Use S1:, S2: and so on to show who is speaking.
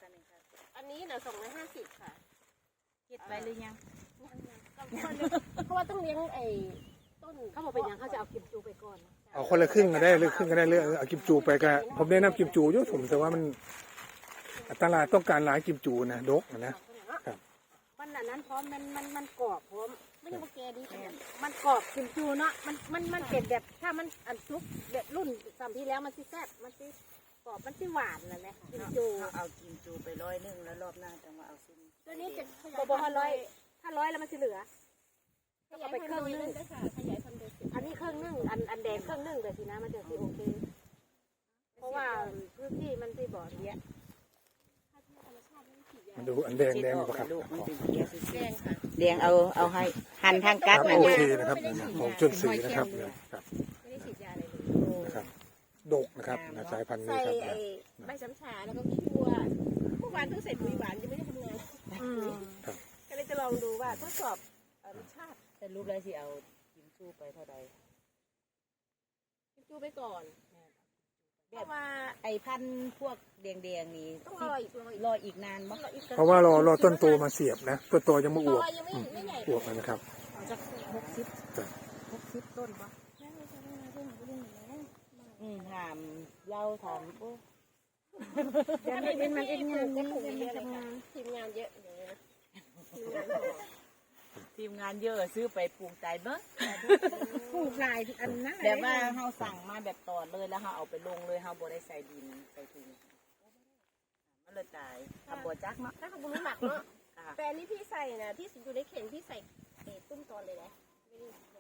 S1: คะนี่ค่ะ
S2: อันนี้น่ะ250ค่ะ
S1: เก็บไว้หรือยัง
S2: เพราะว่าต้องเลี้ยงไอ้ต้นเขาบอกเป็นยังเขาจะเอากิมจูไปก่อน
S3: เอาคนละครึ่งก็ได้หรือครึ่งก็ได้เรื่องเอากิมจูไปก็ผมแนะนำกิมจูอยู่ผมแต่ว่ามันตลาดต้องการหลายกิมจูนะดกนะครับ
S2: วันนั้นพร้อมมันกรอบพร้อมไม่ใช่ว่าแกดีมันกรอบกิมจูเนาะมันเป็นแบบถ้ามันอันซุกแบบรุ่นสามที่แล้วมันสิแซ่บมันสิกรอบมันสิหวานนั่นแหละกิมจู
S1: เอากิมจูไป100แล้วรอบหน้าจะมาเอาซุ่ม
S2: ตัวนี้จะบอกว่าถ้า100แล้วมันจะเหลือเอาไปครึ่งนึงอันนี้ครึ่งนึงอันแดงครึ่งนึงเลยสินะมันจะสิโอเคเพราะว่าพื้นที่มันที่บ่อเนี้ย
S3: มาดูอันแดงป่ะครับ
S1: ลูกมันเป็นเกี๊ยว
S2: แดงค่ะ
S1: แดงเอาให้หั่นทางกัด
S3: โอเคนะครับของชนสีนะครับครับ
S2: ไม่ได้ฉีดยาอะไรเลย
S3: นะครับดกนะครับสายพันธุ์นี้
S2: ใส่
S3: ครับ
S2: ไอ้ใบช้ำชาแล้วก็ขี้วัวเมื่อวานเพิ่งใส่ปุ๋ยหวานยังไม่ได้ทำงานก็เลยจะลองดูว่าทดสอบรสชาติ
S1: แต่รูปแล้วสิเอากิมจูไปเท่าใด
S2: จูไปก่อนเพราะว่า
S1: ไอ้พันธุ์พวกแดงๆนี่
S2: ต้องรออีก
S1: รออีกนานมั้ง
S3: เพราะว่ารอต้นโตมาเสียบนะต้นโตยังไม่อวบ
S2: ยังไม่ใหญ่
S3: อวบนะครับ
S2: จะ60ต้นปะ
S1: ถามเล่าถามโอ้
S2: เดี๋ยวมันเองงานเยอะเลยค่ะทีมงานเยอะอย่างนี้นะทีมงาน
S1: ทีมงานเยอะซื้อไปปลูกใจเบิ้ง
S2: ปลูกลายอันนั้น
S1: แบบว่าเฮาสั่งมาแบบตอดเลยแล้วเฮาเอาไปลงเลยเฮาบ่ได้ใส่ดินใส่ถุงมันเลยตายทำบ่จักเนาะ
S2: ถ้าเขารู้หมักเนาะแต่อันนี้พี่ใส่นะพี่อยู่ในเข่งพี่ใส่ตุ้มตอนเลยนะ